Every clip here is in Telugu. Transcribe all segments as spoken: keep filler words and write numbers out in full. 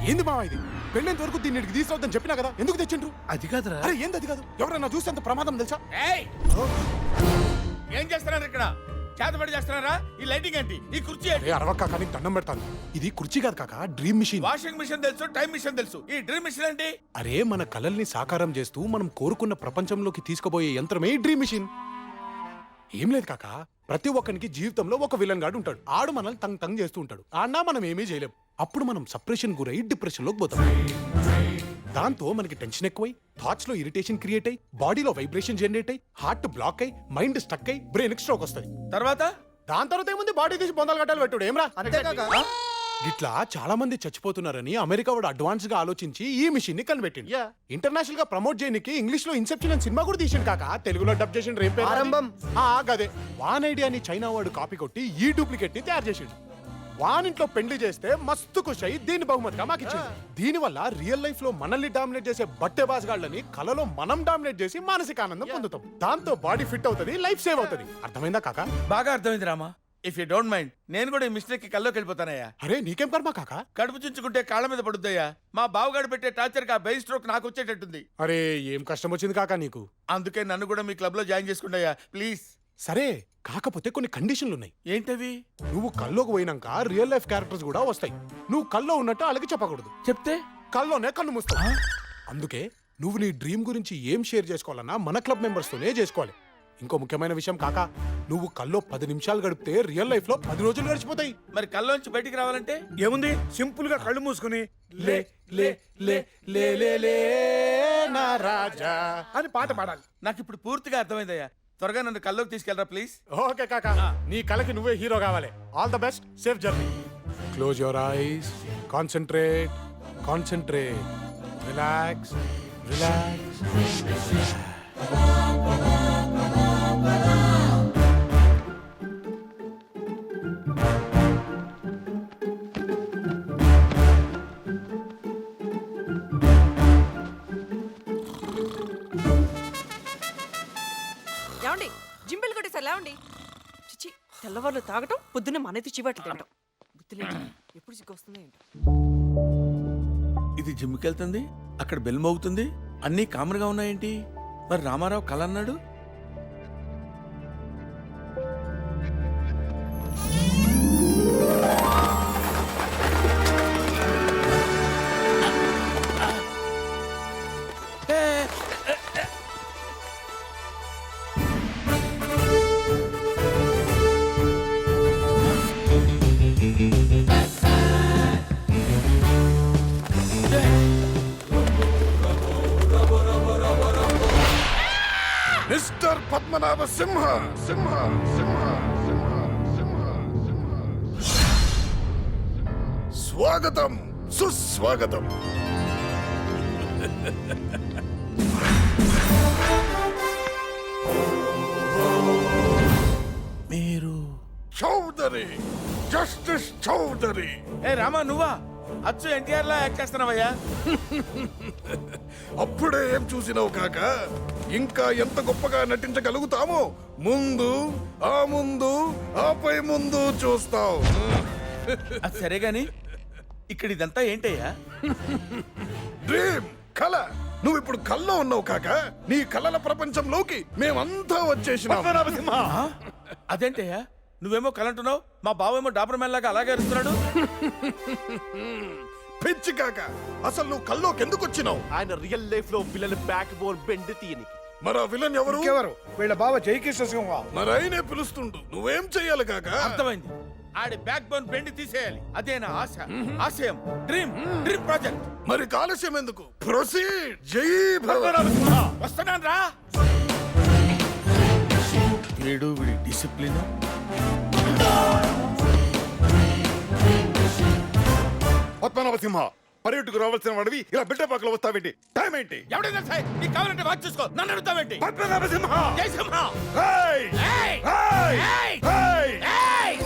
ఏంది మావా ఇది? పెళ్ళేంత వరకు దీన్ని ఇక్కడికి తీసుకురావద్దని చెప్పినా కదా, ఎందుకు తెచ్చిండ్రు? అది కాదురా. అరే ఏంది అది కాదు? ఎవరైనా చూస్తే అంత ప్రమాదం తెలుసా? ఏయ్ ఏం చేస్తున్నారు ఇక్కడ? చేతబడి చేస్తున్నారా? ఈ లైటింగ్ ఏంటి? ఈ కుర్చీ ఏంటి? అరే అరవక్క కానీ దండం పెడతాను. ఇది కుర్చీ కాదు కాక, డ్రీమ్ మిషన్. వాషింగ్ మిషన్ తెలుసు, టైం మిషన్ తెలుసు, ఈ డ్రీమ్ మిషన్ ఏంటి? అరే మన కలల్ని సాకారం చేస్తూ మనం కోరుకున్న ప్రపంచంలోకి తీసుకుపోయే యంత్రమే ఈ డ్రీమ్ మిషన్. ఏం లేదు కాక, ప్రతి ఒక్కరికి జీవితంలో ఒక విలన్ గాడు ఉంటాడు. ఆడు మనల్ని తంగ్ తంగ్ చేస్తూ ఉంటాడు. ఆడినా మనం ఏమీ చేయలేం. అప్పుడు మనం సప్రెషన్ గురై డిప్రెషన్ లోకి పోతాం. దాంతో మనకి టెన్షన్ ఎక్కువై, థాట్స్ లో ఇరిటేషన్ క్రియేట్ అయ్యి, బాడీలో వైబ్రేషన్ జనరేట్ అయ్యి, హార్ట్ బ్లాక్ అయ్యి, మైండ్ స్టక్ అయ్యి, బ్రెయిన్ స్ట్రోక్ వస్తుంది. తర్వాత దాని తర్వాత ఏముంది, బాడీ తీసి బొందలు గట్టాలు పెట్టుడు. ఏమ్రా అంతేకాక ఇట్లా చాలా మంది చచ్చిపోతున్నారని అమెరికా వాడు అడ్వాన్స్ గా ఆలోచించి ఈ మిషన్ ని కనిపెట్టింది. ఇంటర్నేషనల్ గా ప్రమోట్ చేయడానికి ఇంగ్లీష్ లో ఇన్సెప్షన్ అని సినిమా కూడా తీసిండు కాక, తెలుగులో డబ్ చేసిండు. రేపు ఆరంభం. గదే వాన్ ఐడియాని చైనా వాడు కాపీ కొట్టి ఈ డూప్లికేట్ ని తయారు చేసిండు. వాన్ ఇంట్లో పెళ్లి చేస్తే మస్తు ఖుషి అయ్యి దీన్ని బహుమతిగా మాకు ఇచ్చింది. దీని వల్ల రియల్ లైఫ్ లో మనల్ని డామినేట్ చేసే బట్టే బాస్గాళ్ళని కలలో మనం డామినేట్ చేసి మానసిక ఆనందం పొందుతాం. దాంతో బాడీ ఫిట్ అవుతుంది, లైఫ్ సేవ్ అవుతుంది. అర్థమైందా కాక? బాగా అర్థమైంది Rama. If you don't mind నేను కూడా ఈ మిస్టేక్ కి కల్లోకి వెళ్ళిపోతానయ్యా. అరే నీకేం కర్మా కాక? కడుపు చుంచుకుంటే కాళ్ళ మీద పడుద్దయ్యా. మా బావగాడు పెట్టే టార్చర్ కి ఆ బెయిన్ స్ట్రోక్ నాకు వచ్చేటట్టుంది. అరే ఏం కష్టం వచ్చింది కాక నీకు? అందుకే నన్ను కూడా మీ క్లబ్ లో జాయిన్ చేసుకుంటాయా ప్లీజ్. సరే కాకపోతే కొన్ని కండిషన్లు ఉన్నాయి. ఏంటవి? నువ్వు కల్లోకి పోయినాక రియల్ లైఫ్ క్యారెక్టర్స్ కూడా వస్తాయి. నువ్వు కల్లో ఉన్నట్టు వాళ్ళకి చెప్పకూడదు. చెప్తే కల్లోనే కన్ను మూస్తావు. అందుకే నువ్వు నీ డ్రీమ్ గురించి ఏం షేర్ చేసుకోవాలన్నా మన క్లబ్ మెంబర్స్ తోనే చేసుకోవాలి. ఇంకో ముఖ్యమైన విషయం కాక, నువ్వు కల్లో పది నిమిషాలు గడిపితే రియల్ లైఫ్ లో పది రోజులు గడిచిపోతాయి. మరి కల్లోంచి బయటికి రావాలంటే ఏముంది, సింపుల్ గా కళ్ళు మూసుకుని లే లే లే లే లే లే నా రాజా అని పాట పాడాలి. నాకు ఇప్పుడు పూర్తిగా అర్థమైందయ్యా. త్వరగా నన్ను కల్లోకి తీసుకెళ్ళరా ప్లీజ్. ఓకే కాక, నీ కలకి నువ్వే హీరో కావాలి. All the best, safe journey. Close your eyes, concentrate concentrate, relax relax. లేవండి, జింబిల్ కొట్టేసారు. లేవండి. చిచి, తెల్లవాళ్ళు తాగటం, పొద్దున్నే మనైతే చివాట్లు తింటాం. గుర్తులేదు ఎప్పుడు సిగ్గు వస్తుందో ఏంటో. ఇది జిమ్కి వెళ్తుంది, అక్కడ బెల్ మోగుతుంది, అన్నీ కామన్ గా ఉన్నాయేంటి? మరి రామారావు కల అన్నాడు. మిస్టర్ పద్మనాభ సింహ సింహ సింహ సింహ సింహ సింహ స్వాగతం సుస్వాగతం. మీరు చౌదరి, జస్టిస్ చౌదరి. ఏ రామా, నువ్వా? అచ్చు ఎన్టీఆర్ లా యాక్ట్ చేస్తున్నావయ్యా. అప్పుడే ఏం చూసినావు కాక, ఇంకా ఎంత గొప్పగా నటించగలుగుతామో ముందు ఆ ముందు ఆపై ముందు చూస్తావు. అది సరే గాని ఇక్కడ ఇదంతా ఏంటయ్యా? డ్రీమ్, కళ. నువ్వు ఇప్పుడు కల్లో ఉన్నావు కాక, నీ కళల ప్రపంచంలోకి మేమంతా వచ్చేసినాం. ఆ? అదేంటయ్యా, నువ్వేమో కలంటున్నావు, మా బావేమో డాబర్ మ్యాన్ లాగా అలాగే అరుస్తున్నాడు. పిచ్చి కాక, అసలు నువ్వు కల్లోకి ఎందుకు వచ్చినావు? ఆయన రియల్ లైఫ్ లో విలన్ బ్యాక్ బోన్ బెండ్ తీయనికి. మరి ఆ విలన్ ఎవరు? ఎవరు? వీళ్ళ బావ జైకిష్ణ సింహ. మరి ఆయనే పిలుస్తుండు, నువ్వేం చెయ్యాలి కాక? అర్థమైంది. ఆడి బ్యాక్ బోన్ బెండ్ తీసేయాలి. అదే నా ఆశ, ఆశయం, డ్రీమ్, డ్రీమ్ ప్రాజెక్ట్. మరి కాలుష్యం ఎందుకు? ప్రొసీడ్. జై భవ. వస్తున్నాను రా. వీడు వీడి డిసిప్లిన్. పద్మనాభ సింహ, పర్యటకు రావాల్సిన వాడివి ఇలా బిడ్డపాకలో వస్తావేంటి? టైం ఏంటి? ఎవడైనా సరే నీకు కావాలంటే వాచ్ చూసుకో, నన్ను అడుగుతావేంటి? పద్మనాభ సింహ. జై సింహ. ఏయ్! ఏయ్! ఏయ్! ఏయ్! ఏయ్! ఏయ్!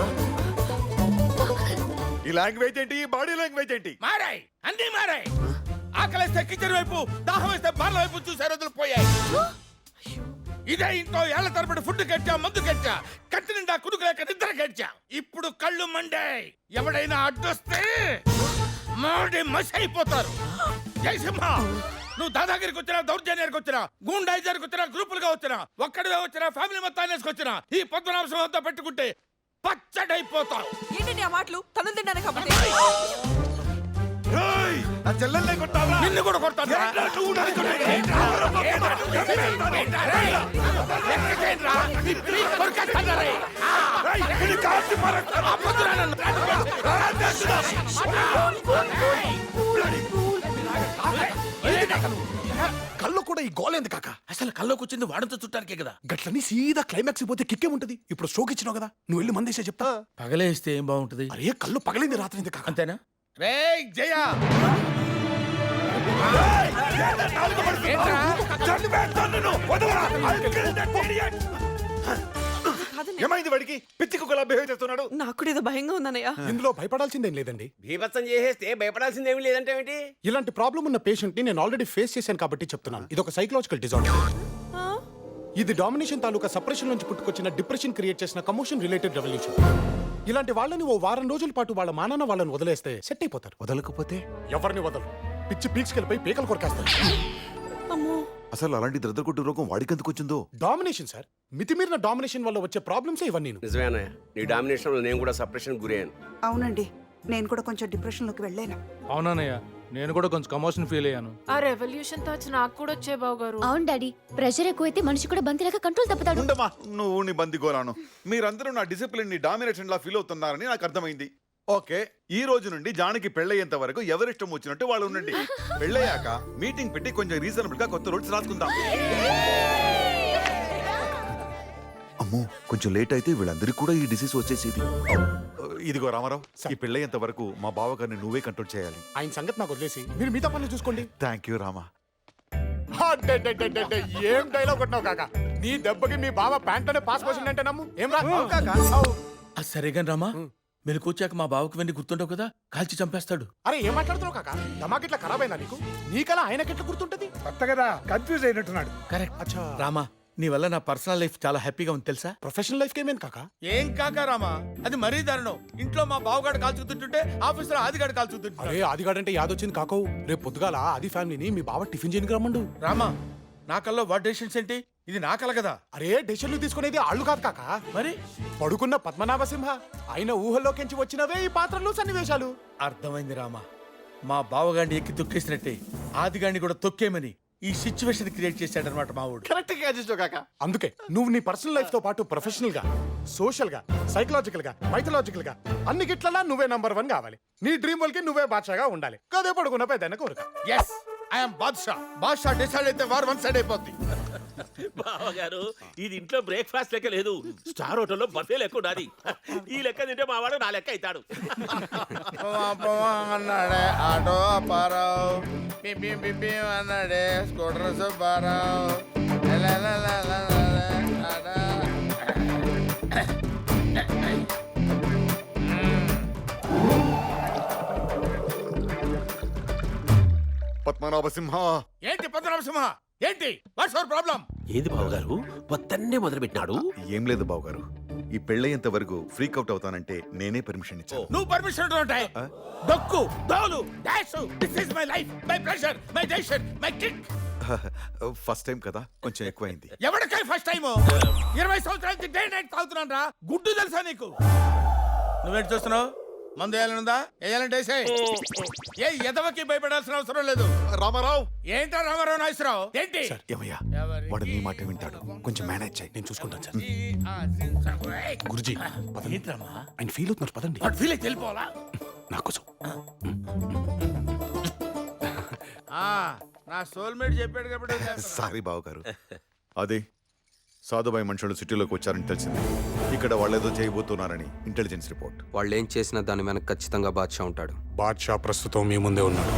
ఈ లాంగ్వేజ్ ఏంటి? ఈ బాడీ లాంగ్వేజ్ ఏంటి? మారాయి, అన్నీ మారాయి. ఆకలిస్తే కిచెన్ వైపు, దాహం వేస్తే బార్ల వైపు చూసే రోజులు పోయాయి. ఇదే ఇంట్లో ఏళ్ల తరబడి ఫుడ్ కట్టా, మందు కట్టా, కట్టి నిండా కుడుకు లేక నిద్ర కట్టా. ఇప్పుడు కళ్ళు మండే. ఎవడైనా అడ్డొస్తే మాడి మసి అయిపోతారు. జయసింహ, నువ్వు దాదాగిరికి వచ్చినా, దౌర్జన్యానికి వచ్చినా, గూండాయిజానికి వచ్చినా, గ్రూపులుగా వచ్చినా, ఒక్కడివే వచ్చినా, ఫ్యామిలీ మొత్తాన్ని వేసుకొచ్చినా ఈ పద్మనాభం అంతా పెట్టుకుంటే పచ్చడైపోతావు. ఏంటండి ఆ మాటలు? తను తిన్నాను కాబట్టి నా చెల్లెల్ని కొట్టావా? నిన్ను కూడా కొడతాను. కళ్ళు కూడా ఈ గోలేంది కాక. అసలు కల్లోకి వచ్చింది వాడంతో చుట్టానికే కదా. గట్లని సీదా క్లైమాక్స్ పోతే కిక్కే ఉంటది. ఇప్పుడు స్ట్రోక్ ఇచ్చినావు కదా, నువ్వు వెళ్ళి మందేసే చెప్తా. పగలేస్తే ఏం బాగుంటది? అరే కళ్ళు పగలింది రాత్రి కాక. అంతేనా? రే జయ, ఏమైంది వాడికి? పిచ్చి కుక్కలా బిహేవ్ చేస్తున్నాడు. నాకు కూడా ఏదో భయంగా ఉందన్నయ్య. ఇందులో భయపడాల్సిందేం లేదండి. బీభత్సం చేసేస్తే భయపడాల్సిందేమీ లేదంటే ఏమిటి? ఇలాంటి ప్రాబ్లం ఉన్న పేషెంట్ ని నేను ఆల్రెడీ ఫేస్ చేశాను కాబట్టి చెప్తున్నాను. ఇది ఒక సైకలాజికల్ డిజార్డర్. ఆ? ఇది డామినేషన్ తాలూకా సప్రెషన్ నుంచి పుట్టుకొచ్చిన డిప్రెషన్ క్రియేట్ చేసిన కమోషన్ రిలేటెడ్ రెవల్యూషన్. ఇలాంటి వాళ్ళని ఓ వారం రోజుల పాటు వాళ్ళ మానాన్న వాళ్ళని వదిలేస్తే సెట్ అయిపోతారు. వదలకపోతే ఎవరిని వదలు, పిచ్చి పీక్స్ వెళ్ళిపోయి పీకలు కొరకేస్తారు. అమ్మో, అసలు అలాంటి ద్రద్దకొట్టు రోగం వాడికి ఎందుకు వచ్చిందో? డామినేషన్ సార్, మితిమీరిన డామినేషన్ వల్ల వచ్చే ప్రాబ్లమ్స్ ఇవన్నీ. నిజమేనా? నీ డామినేషన్ లో నేను కూడా సప్రెషన్ గురయ్యాను. అవునండి, నేను కూడా కొంచెం డిప్రెషన్లోకి వెళ్ళాను. అవునన్నయ్య, నేను కూడా కొంచెం కమోషన్ ఫీల్ అయ్యాను. ఆ రెవల్యూషన్ థాట్స్ నాకు కూడా వచ్చే బావు గారు. అవును డాడీ, ప్రెషర్ ఎక్కువైతే మనిషి కూడా బంతిలాగా కంట్రోల్ తప్పుతాడు. ఉండమా నువ్వు నీ బందిగోరాను. మీరందరూ నా డిసిప్లిన్ ని డామినేషన్ లా ఫీల్ అవుతున్నారని నాకు అర్థమైంది. ఓకే, ఈ రోజు నుండి జానికి పెళ్ళయ్యేంత వరకు ఎవరిష్టం వచ్చినట్టు వాళ్ళు ఉండండి. పెళ్ళయ్యాక మీటింగ్ పెట్టి కొంచెం రీజనబుల్ గా కొత్త రూల్స్ రాసుకుందాం. అమ్మో, కొంచెం లేట్ అయితే వీళ్ళందరికీ కూడా ఈ డిసీజ్ వచ్చేసేది. ఇదిగో రామారావు, ఈ పెళ్ళయ్యేంత వరకు మా బావగారిని నువ్వే కంట్రోల్ చేయాలి. ఆయన సంగతి నాకు వదిలేసి మీరు మిగతా పనులు చూసుకోండి. Thank you Rama. అడ్డడ్డడ్డడ్డ, ఏం డైలాగ్ కొట్టినావు కాక. నీ దెబ్బకి మీ బావ ప్యాంట్ లోనే పాస్ పోసింది అంటే నమ్ము. ఏం రా కాక. సరేగా రామా, మెలకొచ్చాక మా బావకు వెండి గుర్తుండవు కదా, కాల్చి చంపేస్తాడు. అరే ఏం మాట్లాడుతున్నావు కాక? దమాకి ఇట్లా ఖరాబ్ అయిందా నీకు? నీకలా ఆయనకెట్లా గుర్తుంటది? కొత్త కదా, కన్ఫ్యూజ్ అయినట్టున్నాడు. కరెక్ట్. అచ్చా, రామా, నీ వల్ల నా పర్సనల్ లైఫ్ చాలా హ్యాపీగా ఉంది తెలుసా? ప్రొఫెషనల్ లైఫ్ ఏమేం కాక? ఏం కాక రామా, అది మరీ దారుణం. ఇంట్లో మా బావగాడు కాల్చుతుంటుంటే ఆఫీస్ లో ఆదిగాడు కాల్చుతుంటే. అరే ఆదిగాడంటే యాదొచ్చింది కాకవు. రేపు పొద్దుగాల ఆది ఫ్యామిలీని మీ బావ టిఫిన్ చేయడానికి రమ్మండు. రామా, నా కల్లో వాట్ డెసిషన్స్ ఏంటి? ఇది నా కల కదా. అరే డెసిషన్లు తీసుకునేది ఆళ్ళు కాదు కాక, మరి పడుకున్న పద్మనాభ సింహ. ఆయన ఊహల్లోకించి వచ్చినవే ఈ పాత్రలు సన్నివేశాలు. అర్థమైంది రామా, మా బావగాడిని ఎక్కి తొక్కేసినట్టే ఆదిగాడిని కూడా తొక్కేమని ఈ సిచ్యువేషన్ క్రియేట్ చేశాడనమాట మా ఊడు. కరెక్ట్ గా చేసావు కాక. అందుకే నువ్వు నీ పర్సనల్ లైఫ్ తో పాటు ప్రొఫెషనల్ గా, సోషల్ గా, సైకలాజికల్ గా, మైథలాజికల్ గా అన్ని గిట్లలా నువ్వే నంబర్ వన్ కావాలి. నీ డ్రీమ్ వల్ కి నువ్వే బాద్షాగా ఉండాలి. కదే పడుకున్న పెద్ద కోరిక. Yes, I'm Badshah. Badshah decide అయితే వార్ వన్ సైడ్ అయిపోద్ది. బావగారు, ఇది ఇంట్లో బ్రేక్ఫాస్ట్ లెక్క లేదు, స్టార్ హోటల్లో బఫే లెక్క ఉండాలి. ఈ లెక్క తింటే మా వాడు నా లెక్క అవుతాడు. అన్నాడే ఆటో అప్పారావు, పిపి పిపి అన్నాడే స్కూటర్ సుబ్బారావు. పద్మనాభ సింహ, ఏంటి పద్మనాభ సింహ? ఏంటి వాట్స్ యువర్ ప్రాబ్లం? ఏది బావగారు, పొద్దున్నే మొదలు పెట్టినాడు? ఏం లేదు బావగారు, ఈ పెళ్ళయ్యేంత వరకు ఫ్రీక్ అవుట్ అవుతానంటే నేనే పర్మిషన్ ఇచ్చాను. నువ్వు పర్మిషన్ ఉంటాయి. దొక్కు దోలు dash, this is my life, my pressure, my decision, my kick. First time కదా, కొంచెం ఎక్కువైంది. ఎవరికై ఫస్ట్ టైం? ఇరవై సంవత్సరాల నుంచి డే నైట్ తాగుతున్నాను రా. గుడ్డు తెలుసా నీకు? నువ్వేంటి చూస్తున్నావు? మందు వేయాలనుందా? వేయాలంటే వేసేయ్. ఏ ఎదవకి భయపడాల్సిన అవసరం లేదు. రామారావు, ఏంటా రామారావు నాగేశ్వరరావు? ఏంటి ఏమయ్యా, వాడు నీ మాట వింటాడు, కొంచెం మేనేజ్ చేయి. నేను చూసుకుంటాను సార్. గురుజీ ఏంట్రామా? ఆయన ఫీల్ అవుతున్నారు పదండి. వాడు ఫీల్ అయితే వెళ్ళిపోవాలా? నాకోసం నా సోల్మేట్ చెప్పాడు కాబట్టి. సారీ బావగారు. అదే సాధుబాయి మనుషులు సిటీలోకి వచ్చారని తెలిసింది. ఇక్కడ వాళ్ళేదో చేయబోతున్నారని ఇంటెలిజెన్స్ రిపోర్ట్. వాళ్ళు ఏం చేసినా దాని వెనక ఖచ్చితంగా బాద్షా ఉంటాడు. బాద్షా ప్రస్తుతం మీ ముందే ఉన్నాడు.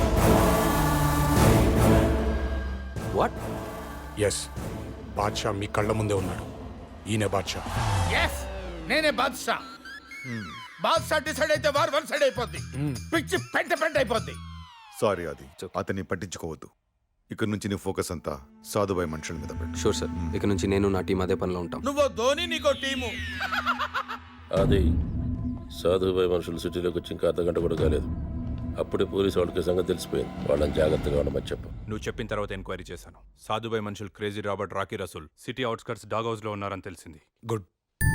వాట్? ఎస్, బాద్షా మీ కళ్ళ ముందే ఉన్నాడు. ఈయన బాద్షా. ఎస్, నేనే బాద్షా. బాద్షా డిసైడ్ అయితే వార్ వన్ సైడ్ అయిపోద్ది. పిచ్చి పెంట పెంట అయిపోద్ది. సారీ అది, అతన్ని పట్టించుకోవద్దు. ఇక్కడ నుంచి నీ ఫోకస్ అంతా సాధుబాయి మనుషుల మీద పెట్టు. షూర్ సార్, ఇక నుంచి నేను నా టీం అదే పనిలో ఉంటాం. నువ్వు ధోని, నీకో టీము. అది సాధుబాయి మనుషులు సిటీలోకి వచ్చి ఇంకా అర్ధ గంట కూడా కాలేదు. అప్పుడే పోలీసు వాళ్ళకి సంగతి తెలిసిపోయింది. వాళ్ళని జాగ్రత్తగా ఉండమని చెప్పు. నువ్వు చెప్పిన తర్వాత ఎంక్వైరీ చేశాను. సాధుబాయ్ మనుషులు crazy Robert, Rocky Rasool city outskirts dog house లో ఉన్నారని తెలిసింది. గుడ్.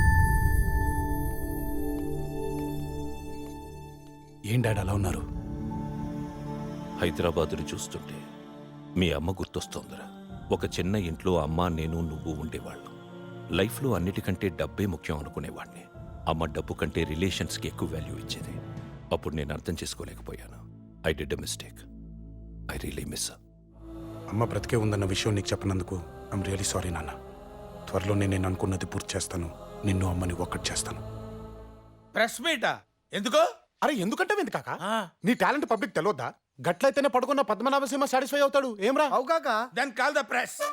ఏం డాడ్ అలా ఉన్నారు? హైదరాబాదుని చూస్తుంటే మీ అమ్మ గుర్తొస్తోందిరా. ఒక చిన్న ఇంట్లో అమ్మ, నేను, నువ్వు ఉండేవాళ్ళం. లైఫ్లో అన్నిటికంటే డబ్బే ముఖ్యం అనుకునేవాడిని. అమ్మ డబ్బు కంటే రిలేషన్స్కి ఎక్కువ వాల్యూ ఇచ్చేది. అప్పుడు నేను అర్థం చేసుకోలేకపోయాను. I did a mistake. I really miss. అమ్మ బ్రతికే ఉందన్న విషయం నీకు చెప్పినందుకు ఐమ్ రియలీ సారీ నాన్న. త్వరలోనే నేను అనుకున్నది పూర్తి చేస్తాను. నిన్ను అమ్మని ఒక్కటి చేస్తాను. ప్రెస్ మీటా ఎందుకో? అరే ఎందుకంటే ఎందుకు కాక? నీ టాలెంట్ పబ్లిక్ తెలియద్దా? గట్లయితేనే పడుకున్న పద్మనాభ సింహ సాటిస్ఫై అవుతాడు. ఏమ్రా? అవు కాక దెన్ కాల్ ద ప్రెస్.